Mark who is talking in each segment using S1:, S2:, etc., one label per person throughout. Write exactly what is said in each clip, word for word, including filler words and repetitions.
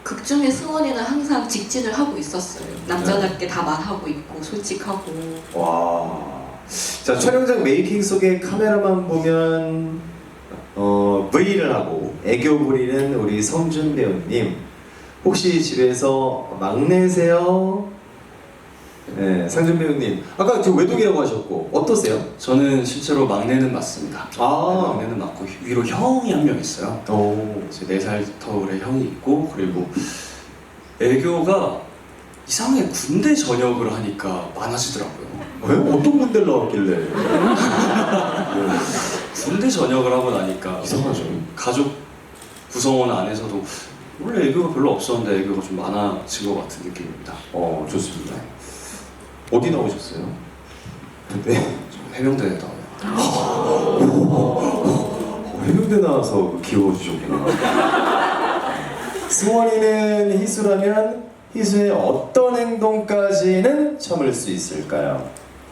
S1: 극 중에 승원이는 항상 직진을 하고 있었어요. 남자답게 다 말하고 있고 솔직하고.
S2: 와. 자, 촬영장 메이킹 속에 카메라만 보면 어, V를 하고 애교 부리는 우리 성준 배우님. 혹시 집에서 막내세요? 네, 상준 배우님. 아까 저 외동이라고 하셨고 어떠세요?
S3: 저는 실제로 막내는 맞습니다.
S2: 아.
S3: 네, 막내는 맞고 위로 형이 한 명 있어요.
S2: 오.
S3: 제 네 살 터울의 형이 있고, 그리고 애교가 이상하게 군대 전역을 하니까 많아지더라고요.
S2: 왜? 어떤 분들 나왔길래? 네.
S3: 군대 전역을 하고 나니까
S2: 이상하죠.
S3: 가족 구성원 안에서도 원래 애교가 별로 없었는데 애교가 좀 많아진 것 같은 느낌입니다.
S2: 어, 좋습니다. 어디 나오셨어요? 네.
S3: 해병대에 나와요.
S2: 어, 해병대 나와서 키워주셨구나. 승원이는 희수라면 희수의 어떤 행동까지는 참을 수 있을까요?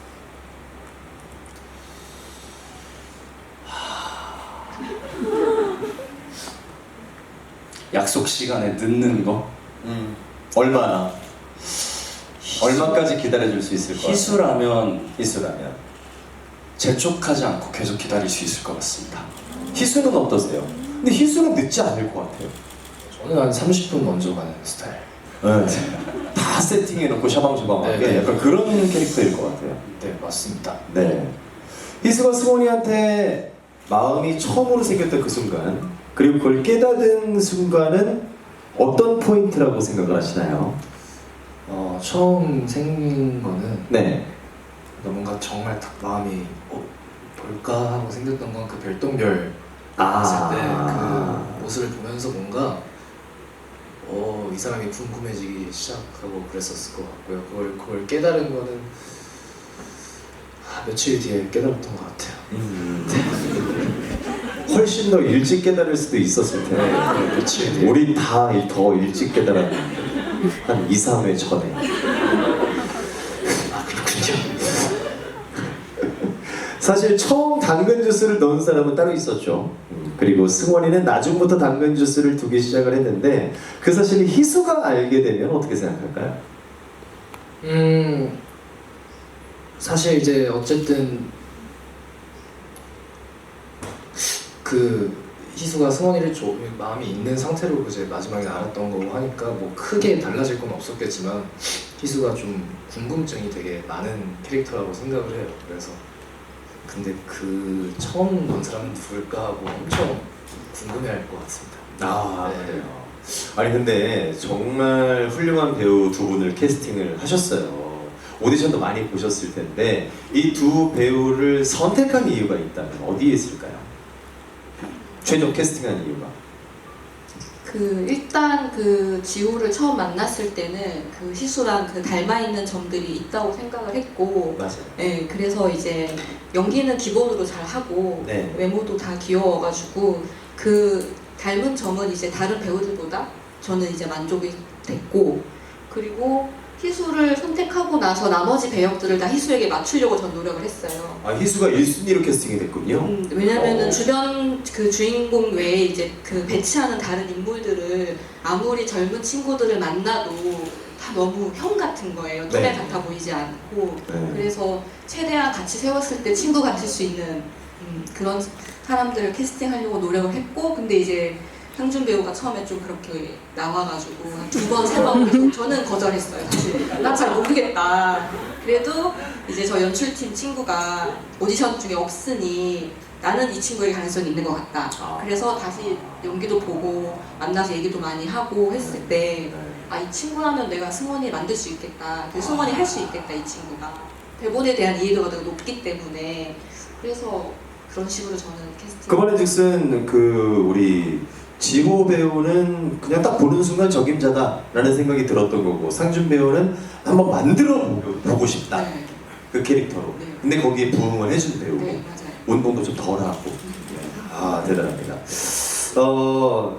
S3: 약속 시간에 늦는 거?
S2: 음. 얼마나? 얼마까지 기다려줄 수 있을 것 같아요?
S3: 희수라면
S2: 희수라면.
S3: 재촉하지 않고 계속 기다릴 수 있을 것 같습니다.
S2: 희수는 어떠세요? 근데 희수는 늦지 않을 것 같아요.
S4: 저는 한 삼십 분 먼저 가는 스타일.
S2: 네. 다 세팅해놓고 샤방샤방하게
S4: 네, 네.
S2: 약간 그런 캐릭터일 것 같아요.
S4: 네, 맞습니다.
S2: 네. 희수가 승원이한테 마음이 처음으로 생겼던 그 순간, 그리고 그걸 깨닫은 순간은 어떤 포인트라고 생각을 하시나요?
S4: 어, 처음 생긴 거는
S2: 네.
S4: 뭔가 정말 딱 마음이 어, 볼까 하고 생겼던 건 그 별똥별
S2: 아.
S4: 봤을 때 그 모습을 보면서 뭔가 어, 이 사람이 궁금해지기 시작하고 그랬었을 것 같고요. 그걸, 그걸 깨달은 거는 아, 며칠 뒤에 깨달았던 것 같아요.
S2: 음. 훨씬 더 일찍 깨달을 수도 있었을 텐데.
S4: 네, 며칠 뒤에.
S2: 우리 다 더 일찍 깨달았는데 한 이, 삼 회 전에.
S4: 아, 그렇군요.
S2: 사실 처음 당근 주스를 넣은 사람은 따로 있었죠. 음, 그리고 승원이는 나중부터 당근 주스를 두기 시작을 했는데 그 사실을 희수가 알게 되면 어떻게 생각할까요?
S4: 음, 사실 이제 어쨌든 그 희수가 승원이를 좀 마음이 있는 상태로 이제 마지막에 알았던 거고 하니까 뭐 크게 달라질 건 없었겠지만 희수가 좀 궁금증이 되게 많은 캐릭터라고 생각을 해요. 그래서 근데 그 처음 본 사람은 누굴까 하고 엄청 궁금해할 것 같습니다.
S2: 아,
S4: 네.
S2: 그래요. 아니 근데 정말 훌륭한 배우 두 분을 캐스팅을 하셨어요. 오디션도 많이 보셨을 텐데 이 두 배우를 선택한 이유가 있다면 어디에 있을까요? 최종 캐스팅한 이유가?
S1: 그 일단 그 지호를 처음 만났을 때는 그 희수랑 그 닮아 있는 점들이 있다고 생각을 했고,
S2: 맞아요.
S1: 네, 그래서 이제 연기는 기본으로 잘 하고
S2: 네.
S1: 외모도 다 귀여워가지고 그 닮은 점은 이제 다른 배우들보다 저는 이제 만족이 됐고, 그리고 희수를 선택하고 나서 나머지 배역들을 다 희수에게 맞추려고 전 노력을 했어요.
S2: 아, 희수가 일 순위로 캐스팅이 됐군요.
S1: 음, 왜냐면은
S2: 어.
S1: 주변 그 주인공 외에 이제 그 배치하는 다른 인물들을 아무리 젊은 친구들을 만나도 다 너무 형 같은 거예요. 또래
S2: 네.
S1: 같아 보이지 않고.
S2: 네.
S1: 그래서 최대한 같이 세웠을 때 친구 같을 수 있는 음, 그런 사람들을 캐스팅하려고 노력을 했고, 근데 이제 상준 배우가 처음에 좀 그렇게 나와가지고 한 두 번, 세 번 계속 저는 거절했어요. 사실 난 잘 모르겠다. 그래도 이제 저 연출팀 친구가 오디션 중에 없으니 나는 이 친구에게 가능성이 있는 것 같다.
S2: 아.
S1: 그래서 다시 연기도 보고 만나서 얘기도 많이 하고 했을 때 아, 이 친구라면 내가 승원이 만들 수 있겠다. 그 승원이 할 수 있겠다, 이 친구가. 대본에 대한 이해도가 되게 높기 때문에. 그래서 그런 식으로 저는 캐스팅.
S2: 그 말인즉슨 그 우리 지호 배우는 그냥 딱 보는 순간 적임자다라는 생각이 들었던 거고, 상준 배우는 한번 만들어 보고 싶다.
S1: 네.
S2: 그 캐릭터로.
S1: 네.
S2: 근데 거기에 부응을 해준 배우고
S1: 네, 맞아요.
S2: 운동도 좀 덜하고. 아, 대단합니다. 어,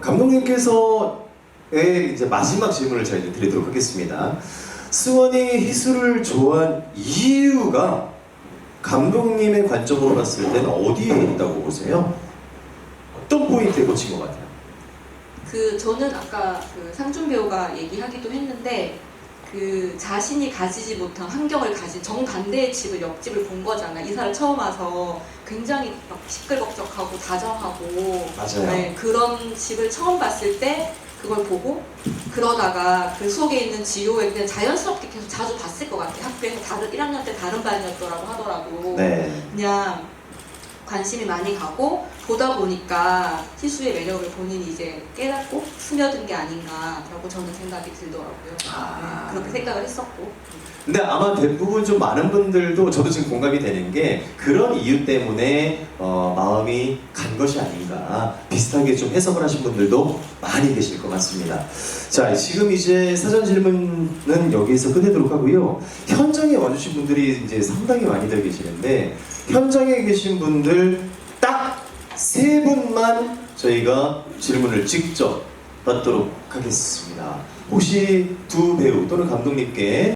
S2: 감독님께서의 이제 마지막 질문을 저희 이제 드리도록 하겠습니다. 승원이 희수를 좋아한 이유가 감독님의 관점으로 봤을 때는 어디에 있다고 보세요? 어떤 포인트에 꽂힌 것 같아요?
S1: 그 저는 아까 그 상준 배우가 얘기하기도 했는데 그 자신이 가지지 못한 환경을 가진 정반대의 집을 옆집을 본 거잖아. 이사를 처음 와서 굉장히 막 시끌벅적하고 다정하고
S2: 맞아요.
S1: 네, 그런 집을 처음 봤을 때 그걸 보고 그러다가 그 속에 있는 지효에 그냥 자연스럽게 계속 자주 봤을 것 같아. 학교에서 다른 일 학년 때 다른 반이었더라고 하더라고.
S2: 네.
S1: 그냥 관심이 많이 가고 보다 보니까 희수의 매력을 본인이 이제 깨닫고 스며든 게 아닌가라고 저는 생각이 들더라고요.
S2: 아.
S1: 네, 그렇게 생각을 했었고.
S2: 근데 아마 대부분 좀 많은 분들도 저도 지금 공감이 되는 게 그런 이유 때문에 어, 마음이 간 것이 아닌가 비슷하게 좀 해석을 하신 분들도 많이 계실 것 같습니다. 자, 지금 이제 사전 질문은 여기에서 끝내도록 하고요. 현장에 와주신 분들이 이제 상당히 많이들 계시는데 현장에 계신 분들 딱 세 분만 저희가 질문을 직접 받도록 하겠습니다. 혹시 두 배우 또는 감독님께